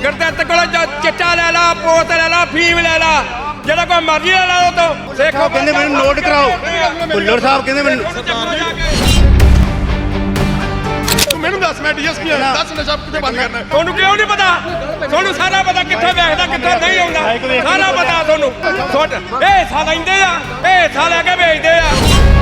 ਗੁਰਦਿੱਤ ਕੋਲ ਚਿੱਟਾ ਲੈ ਲਾ, ਪੋਤ ਲੈ ਲਾ, ਫੀਮ ਲੈ ਲਾ, ਜਿਹੜਾ ਕੋਈ ਮਰਜ਼ੀ ਲੈ ਲਾ। ਉਹ ਤੋਂ ਸੇਖੋ ਕਹਿੰਦੇ ਮੈਨੂੰ ਨੋਟ ਕਰਾਓ, ਭੁੱਲਰ ਸਾਹਿਬ ਕਹਿੰਦੇ ਮੈਨੂੰ। ਤੂੰ ਮੈਨੂੰ ਦੱਸ, ਮੈਂ ਡੀਐਸਪੀ ਆ, ਦੱਸ ਨਸ਼ਾ ਕਿੱਥੇ ਬੰਦ ਕਰਨਾ? ਤੁਹਾਨੂੰ ਕਿਉਂ ਨਹੀਂ ਪਤਾ? ਤੁਹਾਨੂੰ ਸਾਰਾ ਪਤਾ ਕਿੱਥੇ ਵੇਚਦਾ, ਕਿੱਥੇ ਨਹੀਂ ਆਉਂਦਾ, ਸਾਰਾ ਪਤਾ ਤੁਹਾਨੂੰ। ਇਹ ਹਿੱਸਾ ਲੈਂਦੇ ਆ, ਇਹ ਹਿੱਸਾ ਲੈ ਕੇ ਵੇਚਦੇ ਆ।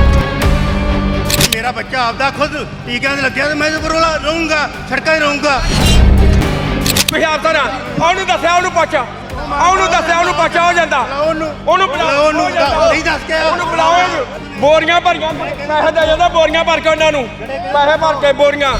ਮੇਰਾ ਬੱਚਾ ਆਪਦਾ ਖੁਦ ਟੀਕਿਆਂ 'ਤੇ ਲੱਗਿਆ ਤੇ ਮੈਂ ਇਹਦੇ ਕੋਲ ਰਹੂੰਗਾ, ਸੜਕਾਂ 'ਤੇ ਰਹੂੰਗਾ। ਤੁਸੀਂ ਅਫਸਰ ਆ, ਉਹਨੂੰ ਦੱਸਿਆ, ਉਹਨੂੰ ਪੁੱਛ, ਉਹਨੂੰ ਦੱਸਿਆ, ਉਹਨੂੰ ਪੁੱਛ, ਹੋ ਜਾਂਦਾ। ਉਹਨੂੰ ਬੁਲਾਓ, ਉਹਨੂੰ ਨਹੀਂ ਦੱਸ ਕੇ ਉਹਨੂੰ ਬੁਲਾਓ। ਬੋਰੀਆਂ ਭਰੀਆਂ ਪੈਸੇ ਦੇ ਜਾਂਦਾ, ਬੋਰੀਆਂ ਭਰ ਕੇ ਉਹਨਾਂ ਨੂੰ ਪੈਸੇ ਭਰ ਕੇ ਬੋਰੀਆਂ।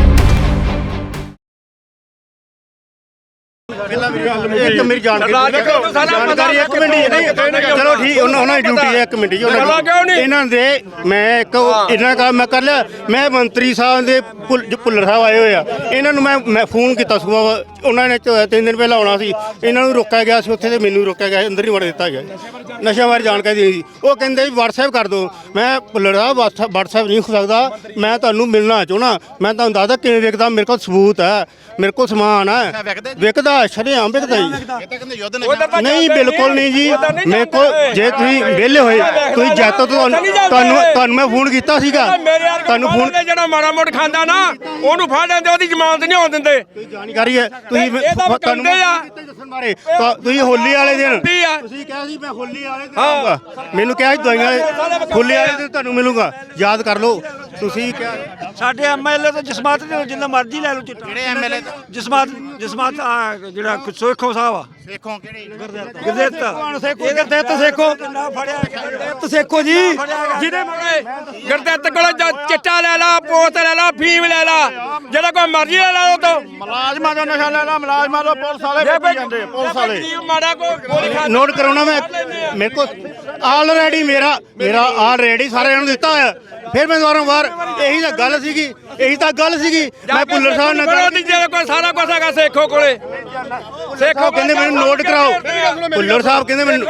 ਇੱਕ ਮੇਰੀ ਜਾਣਕਾਰੀ ਇੱਕ ਮਿੰਟ ਜੀ, ਨਹੀਂ ਚਲੋ ਠੀਕ, ਉਹਨਾਂ ਦੀ ਡਿਊਟੀ ਹੈ, ਇੱਕ ਮਿੰਟ ਜੀ। ਇਹਨਾਂ ਦੇ ਮੈਂ ਇੱਕ ਇਹਨਾਂ ਦਾ ਮੈਂ ਕਰ ਲਿਆ। ਮੈਂ ਮੰਤਰੀ ਸਾਹਿਬ ਦੇ ਭੁੱਲਰ ਸਾਹਿਬ ਆਏ ਹੋਏ ਆ, ਇਹਨਾਂ ਨੂੰ ਮੈਂ ਫੋਨ ਕੀਤਾ ਸੁਬਾਹ, ਉਹਨਾਂ ਨੇ 3 ਦਿਨ ਪਹਿਲਾਂ ਆਉਣਾ ਸੀ, ਇਹਨਾਂ ਨੂੰ ਰੋਕਿਆ ਗਿਆ ਸੀ ਉੱਥੇ, ਤੇ ਮੈਨੂੰ ਰੋਕਿਆ ਗਿਆ, ਅੰਦਰ ਨਹੀਂ ਵੜ ਦਿੱਤਾ ਗਿਆ। ਨਸ਼ਿਆਂ ਬਾਰੇ ਜਾਣਕਾਰੀ ਦੇਣੀ ਸੀ, ਉਹ ਕਹਿੰਦੇ ਵੀ WhatsApp ਕਰ ਦਿਓ। ਮੈਂ ਭੁੱਲਰ ਸਾਹਿਬ WhatsApp ਨਹੀਂ ਹੋ ਸਕਦਾ, ਮੈਂ ਤੁਹਾਨੂੰ ਮਿਲਣਾ ਚਾਹੁੰਦਾ। ਮੈਂ ਤੁਹਾਨੂੰ ਦੱਸਦਾ ਕਿਵੇਂ ਵਿਕਦਾ, ਮੇਰੇ ਕੋਲ ਸਬੂਤ ਹੈ, ਮੇਰੇ ਕੋਲ ਸਮਾਨ ਹੈ, ਵਿਕਦਾ ਸ਼ਰੇਆਮ ਵਿਕਦਾ ਜੀ। ਨਹੀਂ ਬਿਲਕੁਲ ਨਹੀਂ ਜੀ, ਮੇਰੇ ਕੋਲ ਜੇ ਤੁਸੀਂ ਵਿਹਲੇ ਹੋਏ, ਤੁਸੀਂ ਜੈਤੋ ਤੁਹਾਨੂੰ ਮੈਂ ਫੋਨ ਕੀਤਾ ਸੀਗਾ, ਤੁਹਾਨੂੰ ਫੋਨ ਜਿਹੜਾ ਮਾੜਾ ਮੋੜ ਖਾਂਦਾ ਨਾ ਉਹਨੂੰ ਫੜ ਲੈਂਦੇ, ਉਹਦੀ ਜ਼ਮਾਨਤ ਨਹੀਂ ਹੋਣ ਦਿੰਦੇ। ਜਾਣਕਾਰੀ ਹੈ ਤੁਸੀਂ ਤੁਹਾਨੂੰ ਦੱਸਣ ਬਾਰੇ। ਤੁਸੀਂ ਹੋਲੀ ਵਾਲੇ ਦਿਨ ਤੁਸੀਂ ਕਿਹਾ ਸੀ ਮੈਂ ਹੋਲੀ ਵਾਲੇ ਦਿਨ ਆਊਂਗਾ, ਮੈਨੂੰ ਕਿਹਾ ਸੀ ਦਵਾਈਆਂ ਹੋਲੀ ਵਾਲੇ ਦਿਨ ਤੁਹਾਨੂੰ ਮਿਲੂਗਾ, ਯਾਦ ਕਰ ਲਓ। ਤੁਸੀਂ ਕਿਹਾ ਸਾਡੇ ਐਮਐਲਏ ਤੋਂ ਜਸਮਾਤ ਜਿੰਨਾ ਮਰਜ਼ੀ ਲੈ ਲਓ ਚਿੱਟਾ। ਕਿਹੜੇ ਐਮਐਲਏ? ਜਸਮਾਤ ਜਿਹੜਾ ਸੇਖੋ ਸਾਹਿਬ ਆ, ਸੇਖੋਂ ਕਿਹੜੇ? ਗੁਰਦਿੱਤ ਸੇਖੋ ਕਿੰਨਾ ਫੜਿਆ, ਗੁਰਦਿੱਤ ਸੇਖੋ ਜੀ, ਜਿਹਦੇ ਗੁਰਦਿੱਤ ਕੋਲ ਚਿੱਟਾ ਲੈ ਲਾ, ਪੋਤ ਲੈ ਲਾ, ਫੀਮ ਲੈ ਲਾ, ਜਿਹੜਾ ਕੋਈ ਮਰਜ਼ੀ ਲੈ ਲਾ। ਉਹ ਤੋਂ ਮੁਲਾਜ਼ਮਾਂ ਦਾ ਨਸ਼ਾ ਲੈ ਲਾ, ਮੁਲਾਜ਼ਮਾਂ ਦਾ ਪੁਲਿਸ ਵਾਲੇ ਵੇਚੀ ਜਾਂਦੇ, ਪੁਲਿਸ ਵਾਲੇ। ਮਾੜਾ ਗੋਲੀ ਖਾ ਨੋਟ ਕਰਾਉਣਾ ਮੈਂ, ਮੇਰੇ ਕੋਲ ਆਲਰੇਡੀ ਮੇਰਾ ਆਲਰੇਡੀ ਸਾਰਿਆਂ ਨੂੰ ਦਿੱਤਾ ਹੋਇਆ। ਫਿਰ ਮੈਂ ਵਾਰ ਇਹੀ ਤਾਂ ਗੱਲ ਸੀਗੀ, ਮੈਂ ਭੁੱਲਰ ਸਾਹਿਬ ਨਾਲ ਕੋਈ ਸਾਰਾ ਕੁਝ ਹੈਗਾ ਸੇਖੋ ਕੋਲੇ। ਸੇਖੋ ਕਹਿੰਦੇ ਮੈਨੂੰ ਨੋਟ ਕਰਾਓ, ਭੁੱਲਰ ਸਾਹਿਬ ਕਹਿੰਦੇ ਮੈਨੂੰ,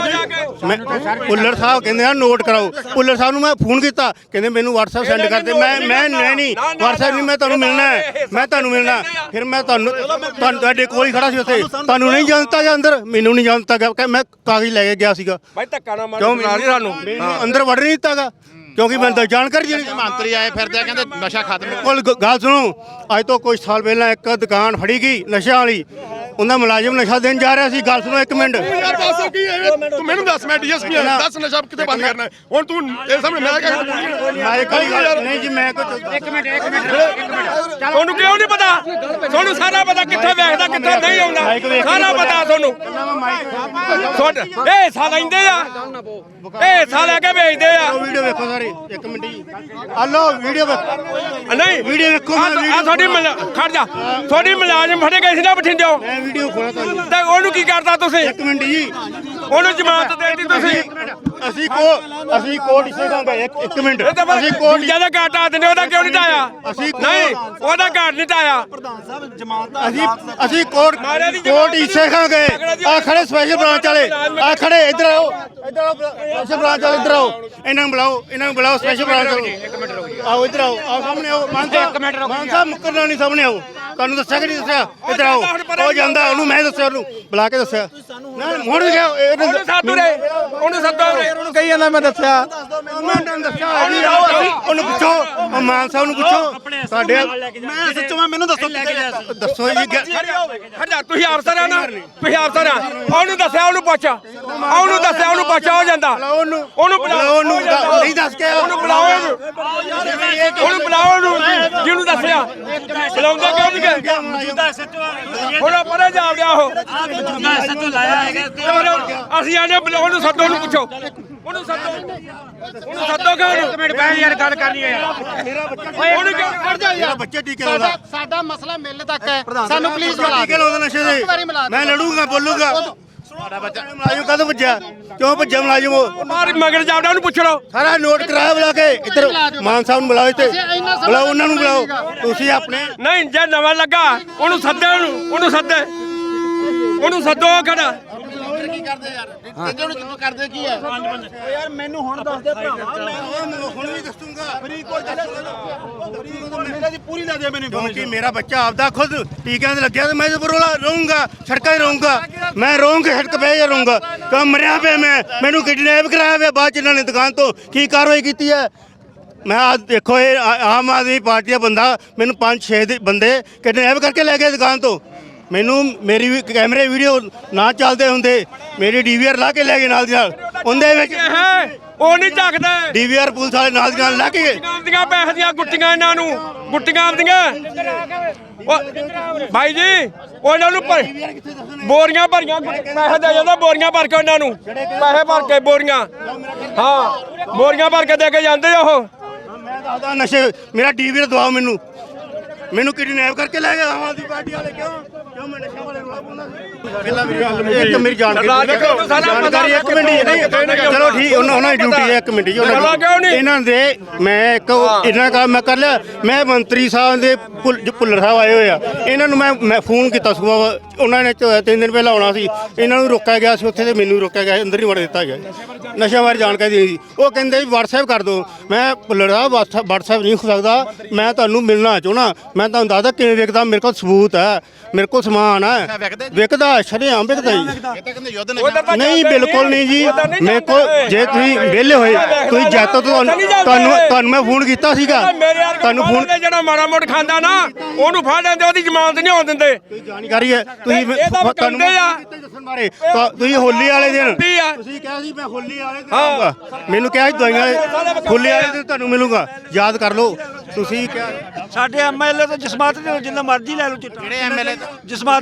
ਭੁੱਲਰ ਸਾਹਿਬ ਕਹਿੰਦੇ ਆ ਨੋਟ ਕਰਾਓ। ਭੁੱਲਰ ਸਾਹਿਬ ਨੂੰ ਮੈਂ ਫੋਨ ਕੀਤਾ, ਕਹਿੰਦੇ ਮੈਨੂੰ WhatsApp ਸੈਂਡ ਕਰ ਦੇ। ਮੈਂ ਨਹੀਂ WhatsApp ਨਹੀਂ, ਮੈਂ ਤੁਹਾਨੂੰ ਮਿਲਣਾ ਹੈ, ਮੈਂ ਤੁਹਾਨੂੰ ਮਿਲਣਾ। ਫਿਰ ਮੈਂ ਤੁਹਾਨੂੰ ਤੁਹਾਡੇ ਕੋਲ ਹੀ ਖੜਾ ਸੀ ਉੱਥੇ, ਤੁਹਾਨੂੰ ਨਹੀਂ ਜਾਣਤਾ ਜਾਂ ਅੰਦਰ, ਮੈਨੂੰ ਨਹੀਂ ਜਾਣਤਾ ਗਿਆ, ਮੈਂ ਕਾਗਜ਼ ਲੈ ਕੇ ਗਿਆ ਸੀਗਾ। ਭਾਈ ਧੱਕਾ ਨਾ ਮਾਰ, ਕਿਉਂ ਸਾਨੂੰ ਅੰਦਰ ਵੜ ਨਹੀਂ ਦਿੱਤਾਗਾ, ਕਿਉਂਕਿ ਮੈਨੂੰ ਤਾਂ ਜਾਣਕਾਰੀ ਦੇਣੀ। ਮੰਤਰੀ ਆਏ ਫਿਰਦੇ ਆ, ਕਹਿੰਦੇ ਨਸ਼ਾ ਖਤਮ। ਕੋਲ ਗੱਲ ਸੁਣੋ, ਅੱਜ ਤੋਂ ਕੁਝ ਸਾਲ ਪਹਿਲਾਂ ਇੱਕ ਦੁਕਾਨ ਫੜੀ ਗਈ ਨਸ਼ਿਆਂ ਵਾਲੀ, ਉਹਨਾਂ ਮੁਲਾਜ਼ਮ ਨਸ਼ਾ ਦੇਣ ਜਾ ਰਿਹਾ ਸੀ। ਗੱਲ ਸੁਣੋ ਇੱਕ ਮਿੰਟ, ਯਾਰ ਦੱਸ ਕੀ ਹੈ? ਤੂੰ ਮੈਨੂੰ ਦੱਸ, ਮੈਂ ਡੀਐਸਪੀ ਆ, ਦੱਸ ਨਸ਼ਾ ਕਿੱਥੇ ਬੰਦ ਕਰਨਾ? ਹੁਣ ਤੂੰ ਇਹ ਸਾਹਮਣੇ ਮੈਂ ਨਹੀਂ ਜੀ, ਮੈਂ ਕੁਝ ਇੱਕ ਮਿੰਟ ਤੁਹਾਨੂੰ ਕਿਉਂ ਨਹੀਂ ਪਤਾ? ਤੁਹਾਨੂੰ ਸਾਰਾ ਪਤਾ ਕਿੱਥੇ ਵੇਚਦਾ, ਕਿੱਥੇ ਨਹੀਂ ਆਉਂਦਾ, ਸਾਰਾ ਪਤਾ ਤੁਹਾਨੂੰ। ਇਹ ਹਿੱਸਾ ਲੈਂਦੇ ਆ, ਇਹ ਹਿੱਸਾ ਲੈ ਕੇ ਵੇਚਦੇ ਆ। ਵੀਡੀਓ ਵੇਖੋ ਸਾਰੇ, ਇੱਕ ਮਿੰਟ ਜੀ, ਹਲੋ ਵੀਡੀਓ ਨਹੀਂ ਵੀਡੀਓ ਵੇਖੋ। ਆ ਤੁਹਾਡੀ ਖੜ ਜਾ, ਤੁਹਾਡੀ ਮੁਲਾਜ਼ਮ ਫੜੇ ਗਏ ਸੀ ਨਾ ਬਠਿੰਡਿਓਂ, ਮੈਂ ਵੀਡੀਓ ਖੋਲਾ ਤੁਹਾਨੂੰ। ਤੇ ਉਹਨੂੰ ਕੀ ਕਰਦਾ ਤੁਸੀਂ? ਇੱਕ ਮਿੰਟ ਜੀ, ਉਹਨੂੰ ਜ਼ਮਾਨਤ ਦੇ ਦਿੱਤੀ ਤੁਸੀਂ। ਅਸੀਂ ਕੋਰਟ ਇਸੇ ਦਾ ਇੱਕ ਮਿੰਟ, ਅਸੀਂ ਕੋਰਟ ਜਿਹਦਾ ਘਾਟ ਢਾ ਦਿੰਦੇ, ਉਹਦਾ ਕਿਉਂ ਨਹੀਂ ਢਾਇਆ? ਨਹੀਂ, ਉਹਦਾ ਘਾਟ ਨਹੀਂ ਢਾਇਆ। ਅਸੀਂ ਕੋਰਟ ਇਸੇ ਖਾਂ ਗਏ। ਆ ਖੜੇ ਸਪੈਸ਼ਲ ਬ੍ਰਾਂਚ ਵਾਲੇ, ਆ ਖੜੇ, ਇੱਧਰ ਆਓ, ਸਪੈਸ਼ਲ ਬ੍ਰਾਂਚ ਵਾਲੇ ਇੱਧਰ ਆਓ, ਇਹਨਾਂ ਨੂੰ ਬੁਲਾਓ ਸਪੈਸ਼ਲ ਬ੍ਰਾਂਚ ਵਾਲੇ। ਆਓ ਇੱਧਰ ਆਓ, ਸਾਹਮਣੇ ਆਓ। ਮਾਨ ਸਾਹਿਬ ਮੁੱਕਰਨਾ ਨਹੀਂ, ਸਾਹਮਣੇ ਆਓ। ਤੁਹਾਨੂੰ ਦੱਸਿਆ ਕਿ ਨਹੀਂ ਦੱਸਿਆ? ਇੱਧਰ ਆਓ। ਉਹ ਜਾਂਦਾ, ਉਹਨੂੰ ਮੈਂ ਦੱਸਿਆ, ਉਹਨੂੰ ਬੁਲਾ ਕੇ ਦੱਸਿਆ। ਹੁਣ ਗਿਆ ਉਹਨੂੰ ਸੱਦੋ, ਉਹਨੂੰ ਕਹੀ ਜਾਂਦਾ ਮੈਂ ਦੱਸਿਆ। ਉਹਨੂੰ ਪੁੱਛੋ, ਮਾਨ ਸਾਹਿਬ ਨੂੰ ਪੁੱਛੋ। ਸਾਡੇ ਮੈਂ ਸੱਚੋ, ਮੈਨੂੰ ਦੱਸੋ ਦੱਸੋ ਜੀ। ਹਟਾ, ਤੁਸੀਂ ਅਫਸਰ ਆ ਨਾ, ਤੁਸੀਂ ਅਫਸਰ ਆ। ਉਹਨੂੰ ਦੱਸਿਆ, ਉਹਨੂੰ ਪੁੱਛ, ਉਹਨੂੰ ਦੱਸਿਆ, ਉਹਨੂੰ ਪੁੱਛ, ਹੋ ਜਾਂਦਾ। ਉਹਨੂੰ ਬੁਲਾਓ, ਉਹਨੂੰ ਨਹੀਂ ਦੱਸ ਕੇ ਉਹਨੂੰ ਬੁਲਾਓ, ਉਹਨੂੰ ਬੁਲਾਓ, ਜਿਹਨੂੰ ਦੱਸਿਆ। ਬੁਲਾਉਂਦੇ ਕਿਉਂ ਨਹੀਂ ਗਏ? ਹੁਣ ਪਰੇ ਜਾ ਰਿਹਾ ਉਹ। ਅਸੀਂ ਆਨੇ ਉਹਨੂੰ ਸੱਦੋ, ਉਹਨੂੰ ਪੁੱਛੋ, ਉਹਨੂੰ ਸੱਦੋ ਕਿ ਇੱਕ ਮਿੰਟ ਬਹਿ ਯਾਰ, ਗੱਲ ਕਰਨੀ ਹੈ ਉਹਨੂੰ ਕਿਉਂ ਖੜ ਜਾ ਯਾਰ? ਬੱਚੇ ਟੀਕੇ ਲਾਉਂਦਾ, ਸਾਡਾ ਮਸਲਾ ਮਿਲ ਤੱਕ ਹੈ, ਸਾਨੂੰ ਪਲੀਜ਼ ਟੀਕੇ ਲਾਉਂਦਾ ਨਸ਼ੇ ਦੇ। ਮੈਂ ਲੜੂਗਾ, ਬੋਲੂਗਾ। ਸਾਡਾ ਬੱਚਾ ਮੁਲਾਜ਼ਮ ਕਦੋਂ ਭੱਜਿਆ? ਕਿਉਂ ਭੱਜਿਆ ਮੁਲਾਜ਼ਮ? ਉਹ ਮਾਰ ਮਗਰ ਜਾਵੜਾ, ਉਹਨੂੰ ਪੁੱਛ ਲਓ। ਸਾਰਾ ਨੋਟ ਕਰਾਇਆ, ਬੁਲਾ ਕੇ ਇੱਧਰ ਮਾਨ ਸਾਹਿਬ ਨੂੰ ਬੁਲਾਓ, ਇੱਥੇ ਬੁਲਾਓ, ਉਹਨਾਂ ਨੂੰ ਬੁਲਾਓ। ਤੁਸੀਂ ਆਪਣੇ ਨਹੀਂ, ਜੇ ਨਵਾਂ ਲੱਗਾ ਉਹਨੂੰ ਸੱਦੇ, ਉਹਨੂੰ ਸੱਦੇ, ਉਹਨੂੰ ਸੱਦੋ। ਖੜਾ ਕਰਦੇ ਯਾਰ ਕਹਿੰਦੇ ਹੁਣ ਕਰਦੇ ਕੀ ਹੈ ਯਾਰ ਮੈਨੂੰ ਹੁਣ ਦੱਸ ਦੇ ਭਰਾਵਾ ਮੈਂ ਹੁਣ ਵੀ ਦੱਸੂਗਾ ਫਰੀਦਕੋਟ ਮੇਰਾ ਦੀ ਪੂਰੀ ਲੈ ਦੇ ਮੈਨੂੰ ਕਿਉਂਕਿ ਮੇਰਾ ਬੱਚਾ ਆਪਦਾ ਖੁਦ ਟੀਕਿਆਂ ਤੇ ਲੱਗਿਆ ਤੇ ਮੈਂ ਜ਼ਬਰੋਲਾ ਰਹੂੰਗਾ ਸੜਕਾਂ 'ਤੇ ਰਹੂੰਗਾ ਮੈਂ ਰਹੂੰਗਾ ਸੜਕ 'ਤੇ ਹੀ ਰਹੂੰਗਾ ਕਿਉਂ ਮਰਿਆ ਪਿਆ ਮੈਨੂੰ ਕਿਡਨੈਪ ਕਰਾਇਆ ਪਿਆ ਬਾਅਦ 'ਚ ਇਹਨਾਂ ਨੇ ਦੁਕਾਨ ਤੋਂ ਕੀ ਕਾਰਵਾਈ ਕੀਤੀ ਹੈ ਮੈਂ ਆ ਦੇਖੋ ਇਹ ਆਮ ਆਦਮੀ ਪਾਰਟੀ ਦਾ ਬੰਦਾ ਮੈਨੂੰ 5-6 ਦੇ ਬੰਦੇ ਕਿਡਨੈਪ ਕਰਕੇ ਲੈ ਗਏ ਦੁਕਾਨ ਤੋਂ ਮੈਨੂੰ ਮੇਰੀ ਵੀ ਕੈਮਰੇ ਵੀਡੀਓ ਨਾ ਚੱਲਦੇ ਹੁੰਦੇ ਮੇਰੀ ਡੀਵੀਆਰ ਲਾ ਕੇ ਲੈ ਗਏ ਨਾਲ ਦੀ ਨਾਲ ਉਹਦੇ ਵਿੱਚ ਉਹ ਨਹੀਂ ਝੱਕਦਾ ਡੀਵੀਆਰ ਪੁਲਿਸ ਵਾਲੇ ਨਾਲ ਦੀ ਨਾਲ ਲਾ ਕੇ ਗਏ ਆਪਦੀਆਂ ਪੈਸੇ ਦੀਆਂ ਗੁੱਟੀਆਂ ਇਹਨਾਂ ਨੂੰ ਗੁੱਟੀਆਂ ਆਪਦੀਆਂ ਭਾਈ ਜੀ ਉਹ ਇਹਨਾਂ ਨੂੰ ਬੋਰੀਆਂ ਭਰੀਆਂ ਪੈਸੇ ਦੇ ਜਾਂਦਾ ਬੋਰੀਆਂ ਭਰ ਕੇ ਉਹਨਾਂ ਨੂੰ ਪੈਸੇ ਭਰ ਕੇ ਬੋਰੀਆਂ ਹਾਂ ਬੋਰੀਆਂ ਭਰ ਕੇ ਦੇ ਕੇ ਜਾਂਦੇ ਆ ਉਹ ਮੈਂ ਦੱਸਦਾ ਨਸ਼ੇ ਮੇਰਾ ਡੀਵੀਆਰ ਦਵਾਓ ਮੈਨੂੰ ਕਿਡਨੈਪ ਕਰਕੇ ਲੈ ਗਏ ਆਮ ਆਦਮੀ ਪਾਰਟੀ ਵਾਲੇ ਕਿਉਂ ਮੈਂ ਨਸ਼ਾ ਵਾਲੇ ਰੋਲਾ ਪਾਉਂਦਾ ਇੱਕ ਮੇਰੀ ਜਾਣਕਾਰੀ ਇੱਕ ਮਿੰਟ ਨਹੀਂ ਚਲੋ ਠੀਕ ਉਹਨਾਂ ਦੀ ਡਿਊਟੀ ਹੈ ਇੱਕ ਮਿੰਟ ਜੀ ਇਹਨਾਂ ਦੇ ਮੈਂ ਇੱਕ ਇਹਨਾਂ ਦਾ ਮੈਂ ਕਰ ਲਿਆ ਮੈਂ ਮੰਤਰੀ ਸਾਹਿਬ ਦੇ ਭੁੱਲਰ ਸਾਹਿਬ ਆਏ ਹੋਏ ਆ ਇਹਨਾਂ ਨੂੰ ਮੈਂ ਫੋਨ ਕੀਤਾ ਸੁਬਾਹ ਉਹਨਾਂ ਨੇ 3 ਦਿਨ ਪਹਿਲਾਂ ਆਉਣਾ ਸੀ ਇਹਨਾਂ ਨੂੰ ਰੋਕਿਆ ਗਿਆ ਸੀ ਉੱਥੇ ਤੇ ਮੈਨੂੰ ਰੋਕਿਆ ਗਿਆ ਅੰਦਰ ਨਹੀਂ ਵੜ ਦਿੱਤਾ ਗਿਆ ਨਸ਼ਾ ਬਾਰੇ ਜਾਣਕਾਰੀ ਦੇਣੀ ਸੀ ਉਹ ਕਹਿੰਦੇ ਵੀ WhatsApp ਕਰ ਦਿਓ ਮੈਂ ਭੁੱਲਰ ਸਾਹਿਬ WhatsApp ਨਹੀਂ ਹੋ ਸਕਦਾ ਮੈਂ ਤੁਹਾਨੂੰ ਮਿਲਣਾ ਚਾਹੁੰਦਾ ਮੈਂ ਤੁਹਾਨੂੰ ਦੱਸਦਾ ਕਿਵੇਂ ਵਿਕਦਾ ਮੇਰੇ ਕੋਲ ਸਬੂਤ ਹੈ ਮੇਰੇ ਕੋਲ ਸਮਾਨ ਹੈ ਵਿਕਦਾ ਸ਼ਰੇਆਮ ਵਿਕਦਾ ਜੀ ਇਹ ਤਾਂ ਕਹਿੰਦੇ ਯੁੱਧ ਨਸ਼ਾ ਨਹੀਂ ਬਿਲਕੁਲ ਨਹੀਂ ਜੀ ਮੇਰੇ ਕੋਲ ਜੇ ਤੁਸੀਂ ਵਿਹਲੇ ਹੋਏ ਤੁਸੀਂ ਜੈਤੋ ਤੁਹਾਨੂੰ ਮੈਂ ਫੋਨ ਕੀਤਾ ਸੀਗਾ ਤੁਹਾਨੂੰ ਫੋਨ ਜਿਹੜਾ ਮਾੜਾ ਮੋੜ ਖਾਂਦਾ ਨਾ ਉਹਨੂੰ ਫੜ ਲੈਂਦੇ ਉਹਦੀ ਜ਼ਮਾਨਤ ਨਹੀਂ ਹੋਣ ਦਿੰਦੇ ਜਾਣਕਾਰੀ ਹੈ ਤੁਸੀਂ ਤੁਹਾਨੂੰ ਦੱਸਣ ਬਾਰੇ ਤੁਸੀਂ ਹੋਲੀ ਵਾਲੇ ਦਿਨ ਤੁਸੀਂ ਕਿਹਾ ਸੀ ਮੈਂ ਹੋਲੀ ਵਾਲੇ ਦਿਨ ਆਊਂਗਾ ਮੈਨੂੰ ਕਿਹਾ ਸੀ ਦਵਾਈਆਂ ਹੋਲੀ ਵਾਲੇ ਦਿਨ ਤੁਹਾਨੂੰ ਮਿਲੂੰਗਾ ਯਾਦ ਕਰ ਲਓ ਤੁਸੀਂ ਕਿਹਾ ਸਾਡੇ ਐਮਐਲਏ ਤੋਂ ਜਸਮਾਤ ਜਿੰਨਾ ਮਰਜ਼ੀ ਲੈ ਲਓ ਚਿੱਟਾ ਜਿਹੜੇ ਐਮਐਲਏ ਜਸਮਾਤ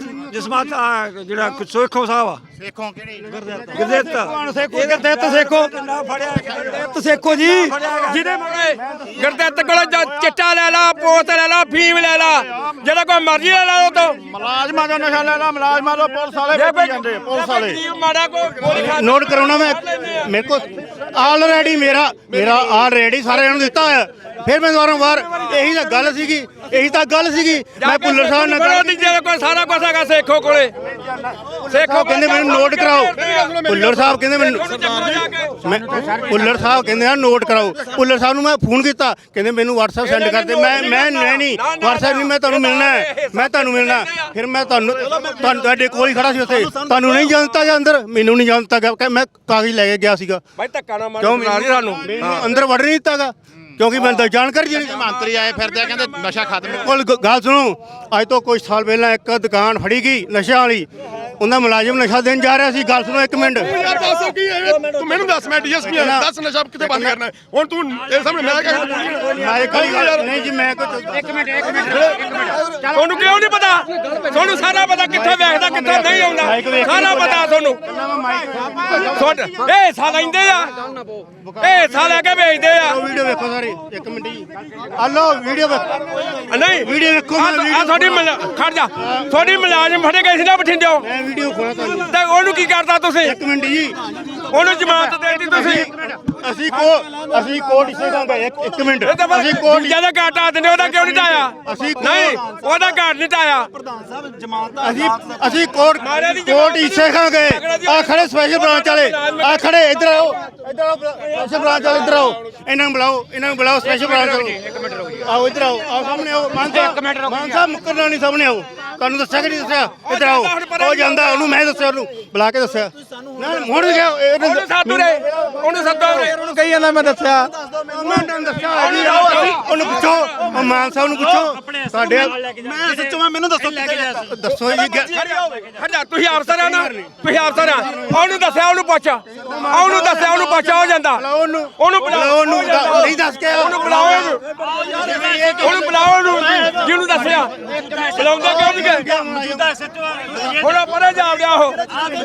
ਜਿਹੜਾ ਸੋਖੋ ਸਾਹਿਬ ਆ ਸੇਖੋਂ ਕਿਹੜੀ ਗੁਰਦੇਵ ਸੇਖੋ ਗੁਰਦੇਵ ਸੇਖੋ ਗੁਰਦੇਵ ਸੇਖੋ ਜੀ ਜਿਹਦੇ ਗੁਰਦਿੱਤ ਕੋਲ ਚਿੱਟਾ ਲੈ ਲਾ ਪੋਤ ਲੈ ਲਾ ਫੀਮ ਲੈ ਲਾ ਜਿਹੜਾ ਕੋਈ ਮਰਜ਼ੀ ਲੈ ਲਾ ਉਹ ਤੋਂ ਮੁਲਾਜ਼ਮਾਂ ਦਾ ਨਸ਼ਾ ਲੈਣਾ ਮੁਲਾਜ਼ਮਾਂ ਤੋਂ ਪੁਲਿਸ ਵਾਲੇ ਵੇਚੀ ਜਾਂਦੇ ਪੁਲਿਸ ਵਾਲੇ ਮਾੜਾ ਕੋ ਗੋਲੀ ਖਾ ਨੋਟ ਕਰਾਉਣਾ ਮੈਂ ਮੇਰੇ ਕੋਲ ਆਲਰੇਡੀ ਮੇਰਾ ਆਲਰੇਡੀ ਸਾਰਿਆਂ ਨੂੰ ਦਿੱਤਾ ਹੋਇਆ ਫਿਰ ਮੈਂ ਵਾਰ ਇਹੀ ਤਾਂ ਗੱਲ ਸੀਗੀ ਮੈਂ ਭੁੱਲਰ ਸਾਹਿਬ ਨਾਲ ਕੋਈ ਸਾਰਾ ਕੁਝ ਹੈਗਾ ਸੇਖੋ ਕੋਲੇ ਸੇਖੋ ਕਹਿੰਦੇ ਮੈਨੂੰ ਨੋਟ ਕਰਾਓ ਭੁੱਲਰ ਸਾਹਿਬ ਕਹਿੰਦੇ ਮੈਨੂੰ ਭੁੱਲਰ ਸਾਹਿਬ ਕਹਿੰਦੇ ਆ ਨੋਟ ਕਰਾਓ ਭੁੱਲਰ ਸਾਹਿਬ ਨੂੰ ਮੈਂ ਫੋਨ ਕੀਤਾ ਕਹਿੰਦੇ ਮੈਨੂੰ WhatsApp ਸੈਂਡ ਕਰ ਦੇ ਮੈਂ ਨਹੀਂ WhatsApp ਨਹੀਂ ਮੈਂ ਤੁਹਾਨੂੰ ਮਿਲਣਾ ਫਿਰ ਮੈਂ ਤੁਹਾਨੂੰ ਤੁਹਾਡੇ ਕੋਲ ਹੀ ਖੜਾ ਸੀ ਉੱਥੇ ਤੁਹਾਨੂੰ ਨਹੀਂ ਜਾਣਤਾ ਜਾਂ ਅੰਦਰ ਮੈਨੂੰ ਨਹੀਂ ਜਾਣਤਾ ਗਿਆ ਮੈਂ ਕਾਗਜ਼ ਲੈ ਕੇ ਗਿਆ ਸੀਗਾ ਭਾਈ ਧੱਕਾ ਨਾ ਮਾਰੋ ਸਾਨੂੰ ਅੰਦਰ ਵੜ ਨਹੀਂ ਦਿੱਤਾਗਾ ਕਿਉਂਕਿ ਮੈਨੂੰ ਤਾਂ ਜਾਣਕਾਰੀ ਜਿਹੜੀ ਮੰਤਰੀ ਆਏ ਫਿਰਦੇ ਆ ਕਹਿੰਦੇ ਨਸ਼ਾ ਖਤਮ ਕੋਲ ਗੱਲ ਸੁਣੋ ਅੱਜ ਤੋਂ ਕੁਝ ਸਾਲ ਪਹਿਲਾਂ ਇੱਕ ਦੁਕਾਨ ਫੜੀ ਗਈ ਨਸ਼ਿਆਂ ਵਾਲੀ ਉਹਦਾ ਮੁਲਾਜ਼ਮ ਨਸ਼ਾ ਦੇਣ ਜਾ ਰਿਹਾ ਸੀ ਗੱਲ ਸੁਣੋ ਇੱਕ ਮਿੰਟ ਯਾਰ ਦੱਸ ਕੀ ਹੈ ਤੂੰ ਮੈਨੂੰ ਦੱਸ ਮੈਂ ਡੀਐਸਪੀ ਆ ਦੱਸ ਨਸ਼ਾ ਕਿੱਥੇ ਬੰਦ ਕਰਨਾ ਹੁਣ ਤੂੰ ਇਹ ਸਾਹਮਣੇ ਮੈਂ ਕਹਿੰਦਾ ਨਹੀਂ ਜੀ ਮੈਂ ਕੁਝ ਇੱਕ ਮਿੰਟ ਤੁਹਾਨੂੰ ਕਿਉਂ ਨਹੀਂ ਪਤਾ ਤੁਹਾਨੂੰ ਸਾਰਾ ਪਤਾ ਕਿੱਥੇ ਵੇਖਦਾ ਕਿੱਥੇ ਨਹੀਂ ਆਉਂਦਾ ਸਾਰਾ ਪਤਾ ਤੁਹਾਨੂੰ ਇਹ ਸਾਲ ਲੈਂਦੇ ਆ ਇਹ ਸਾਲ ਲੈ ਕੇ ਵੇਚਦੇ ਆ ਵੀਡੀਓ ਵੇਖੋ ਸਾਰੇ ਇੱਕ ਮਿੰਟ ਜੀ ਹਲੋ ਵੀਡੀਓ ਨਹੀਂ ਵੀਡੀਓ ਵੇਖੋ ਆ ਤੁਹਾਡੀ ਖੜ ਜਾ ਤੁਹਾਡੀ ਮੁਲਾਜ਼ਮ ਫੜੇ ਗਏ ਸੀ ਨਾ ਬਠਿੰਡਿਓ ਮੈਂ ਵੀਡੀਓ ਖੋਲਾ ਤੁਹਾਨੂੰ ਤੇ ਉਹਨੂੰ ਕੀ ਕਰਤਾ ਤੁਸੀਂ ਇੱਕ ਮਿੰਟ ਜੀ ਉਹਨੂੰ ਜ਼ਮਾਨਤ ਦੇਤੀ ਤੁਸੀਂ ਅਸੀਂ ਕੋਰਟ ਇਸੇ ਦਾ ਇੱਕ ਮਿੰਟ ਅਸੀਂ ਕੋਰਟ ਜਿਆਦਾ ਘਾਟ ਆ ਦਿੰਦੇ ਉਹਦਾ ਕਿਉਂ ਨਹੀਂ ਟਾਇਆ ਨਹੀਂ ਉਹਦਾ ਘਾਟ ਨਹੀਂ ਟਾਇਆ ਅਸੀਂ ਕੋਰਟ ਇਸੇ ਖਾਂ ਗਏ ਆ ਖੜੇ ਸਪੈਸ਼ਲ ਬ੍ਰਾਂਚ ਵਾਲੇ ਆ ਖੜੇ ਇੱਧਰ ਆਓ ਸਪੈਸ਼ਲ ਬ੍ਰਾਂਚ ਵਾਲੇ ਇੱਧਰ ਆਓ ਇਹਨਾਂ ਨੂੰ ਬੁਲਾਓ ਸਪੈਸ਼ਲ ਬ੍ਰਾਂਚ ਵਾਲੇ ਆਓ ਇੱਧਰ ਆਓ ਸਾਹਮਣੇ ਆਓ ਮਾਨ ਸਾਹਿਬ ਮੁੱਕਰਨਾ ਨਹੀਂ ਸਾਹਮਣੇ ਆਓ ਤੁਹਾਨੂੰ ਦੱਸਿਆ ਕਿ ਨਹੀਂ ਦੱਸਿਆ ਇੱਧਰ ਆਓ ਉਹ ਜਾਂਦਾ ਉਹਨੂੰ ਮੈਂ ਦੱਸਿਆ ਉਹਨੂੰ ਬੁਲਾ ਕੇ ਦੱਸਿਆ ਹੁਣ ਗਿਆ ਉਹਨੂੰ ਸਾਧੂ ਰੇ ਉਹਨੂੰ ਸੱਦੋ ਉਹਨੂੰ ਕਹੀ ਜਾਂਦਾ ਮੈਂ ਦੱਸਿਆ ਉਹਨੂੰ ਪੁੱਛੋ ਮਾਨ ਸਾਹਿਬ ਨੂੰ ਪੁੱਛੋ ਸਾਡੇ ਮੈਂ ਸੱਚੋ ਮੈਨੂੰ ਦੱਸੋ ਦੱਸੋ ਜੀ ਹਟਾ ਤੁਸੀਂ ਅਫਸਰ ਆ ਨਾ ਤੁਸੀਂ ਅਫਸਰ ਆ ਉਹਨੂੰ ਦੱਸਿਆ ਉਹਨੂੰ ਪੁੱਛ ਉਹਨੂੰ ਪੁੱਛ ਹੋ ਜਾਂਦਾ ਉਹਨੂੰ ਬੁਲਾਓ ਉਹਨੂੰ ਨਹੀਂ ਦੱਸ ਕੇ ਉਹਨੂੰ ਬੁਲਾਓ ਉਹਨੂੰ ਜਿਹਨੂੰ ਦੱਸਿਆ ਬੁਲਾਉਂਦਾ ਕਿਉਂ ਨਹੀਂ ਗਏ ਹੁਣ ਪਰੇ ਜਾ ਗਿਆ ਉਹ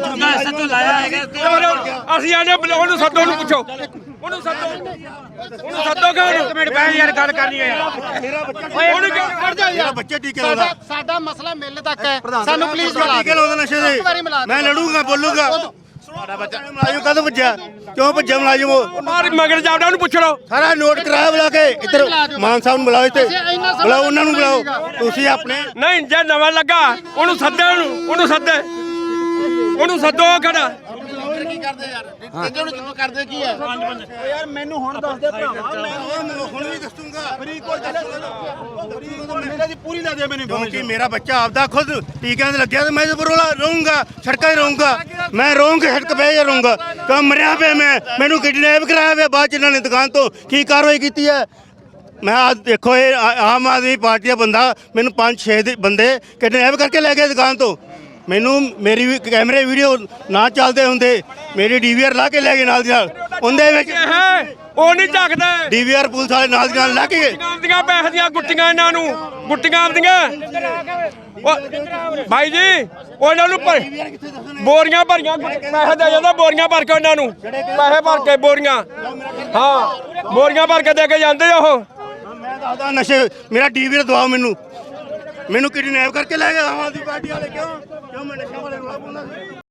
ਅਸੀਂ ਆਨੇ ਉਹਨੂੰ ਸੱਦੋ ਉਹਨੂੰ ਪੁੱਛੋ ਉਹਨੂੰ ਸੱਦੋ ਕਿ ਇੱਕ ਮਿੰਟ ਬਹਿ ਯਾਰ ਗੱਲ ਕਰਨੀ ਹੈ ਉਹਨੂੰ ਕਿਉਂ ਖੜ ਜਾ ਯਾਰ ਬੱਚੇ ਟੀਕੇ ਲਾਉਂਦਾ ਸਾਡਾ ਮਸਲਾ ਮਿਲ ਤੱਕ ਹੈ ਸਾਨੂੰ ਪਲੀਜ਼ ਟੀਕੇ ਲਾਉਂਦਾ ਨਸ਼ੇ ਦੇ ਮੈਂ ਲੜੂੰਗਾ ਬੋਲੂੰਗਾ ਮੁਲਾਜ਼ਮ ਕਦੋਂ ਭੱਜਿਆ ਕਿਉਂ ਭੱਜਿਆ ਮੁਲਾਜ਼ਮ ਉਹ ਮਾਰ ਮਗਰ ਜਾਵੜਾ ਉਹਨੂੰ ਪੁੱਛ ਲਓ ਸਾਰਾ ਨੋਟ ਕਰਾਇਆ ਬੁਲਾ ਕੇ ਇੱਧਰ ਮਾਨ ਸਾਹਿਬ ਨੂੰ ਬੁਲਾਓ ਇੱਥੇ ਬੁਲਾਓ ਉਹਨਾਂ ਨੂੰ ਬੁਲਾਓ ਤੁਸੀਂ ਆਪਣੇ ਨਹੀਂ ਜੇ ਨਵਾਂ ਲੱਗਾ ਉਹਨੂੰ ਸੱਦੇ ਉਹਨੂੰ ਸੱਦੋ ਖੜਾ ਕਰਦੇ ਯਾਰ ਕਹਿੰਦੇ ਹੁਣ ਕਿੱਥੋਂ ਕਰਦੇ ਕੀ ਹੈ ਯਾਰ ਮੈਨੂੰ ਹੁਣ ਦੱਸ ਦੇ ਭਰਾਵਾ ਮੈਂ ਹੁਣ ਵੀ ਦੱਸੂਗਾ ਫਰੀਦਕੋਟ ਮੇਰੇ ਦੀ ਪੂਰੀ ਲਾ ਦੇ ਮੈਨੂੰ ਕਿਉਂਕਿ ਮੇਰਾ ਬੱਚਾ ਆਪਦਾ ਖੁਦ ਟੀਕਿਆਂ ਤੇ ਲੱਗਿਆ ਤੇ ਮੈਂ ਜ਼ਰੂਰ ਰਹੂੰਗਾ ਸੜਕਾਂ 'ਤੇ ਰਹੂੰਗਾ ਮੈਂ ਰਹੂੰਗਾ ਸੜਕ 'ਤੇ ਰਹੂੰਗਾ ਕਿਉਂ ਮਰਿਆ ਪਿਆ ਮੈਨੂੰ ਕਿਡਨੈਪ ਕਰਾਇਆ ਪਿਆ ਬਾਅਦ 'ਚ ਇਹਨਾਂ ਨੇ ਦੁਕਾਨ ਤੋਂ ਕੀ ਕਾਰਵਾਈ ਕੀਤੀ ਹੈ ਮੈਂ ਆ ਦੇਖੋ ਇਹ ਆਮ ਆਦਮੀ ਪਾਰਟੀ ਦਾ ਬੰਦਾ ਮੈਨੂੰ 5-6 ਦੇ ਬੰਦੇ ਕਿਡਨੈਪ ਕਰਕੇ ਲੈ ਗਏ ਦੁਕਾਨ ਤੋਂ ਮੈਨੂੰ ਮੇਰੀ ਵੀ ਕੈਮਰੇ ਵੀਡੀਓ ਨਾ ਚੱਲਦੇ ਹੁੰਦੇ ਮੇਰੀ ਡੀਵੀਆਰ ਲਾ ਕੇ ਲੈ ਗਏ ਨਾਲ ਦੀ ਨਾਲ ਉਹਦੇ ਵਿੱਚ ਉਹ ਨਹੀਂ ਝੱਕਦਾ ਡੀਵੀਆਰ ਪੁਲਿਸ ਵਾਲੇ ਨਾਲ ਦੀ ਨਾਲ ਲਾ ਕੇ ਗਏ ਦੀਆਂ ਪੈਸੇ ਦੀਆਂ ਗੁੱਟੀਆਂ ਇਹਨਾਂ ਨੂੰ ਗੁੱਟੀਆਂ ਆਉਂਦੀਆਂ ਭਾਈ ਜੀ ਉਹਨਾਂ ਨੂੰ ਬੋਰੀਆਂ ਭਰੀਆਂ ਪੈਸੇ ਦੇ ਜਾਂਦਾ ਬੋਰੀਆਂ ਭਰ ਕੇ ਉਹਨਾਂ ਨੂੰ ਪੈਸੇ ਭਰ ਕੇ ਬੋਰੀਆਂ ਹਾਂ ਬੋਰੀਆਂ ਭਰ ਕੇ ਦੇ ਕੇ ਜਾਂਦੇ ਉਹ ਮੈਂ ਦੱਸਦਾ ਨਸ਼ੇ ਮੇਰਾ ਡੀਵੀਆਰ ਦਵਾਓ ਮੈਨੂੰ ਕਿਡਨੈਪ ਕਰਕੇ ਲੈ ਗਏ ਆਮ ਆਦਮੀ ਪਾਰਟੀ ਵਾਲੇ ਕਿਉਂ ਮੈਂ ਨਸ਼ੇ ਵਾਲੇ ਰੋਲਾ ਪਾਉਂਦਾ ਸੀ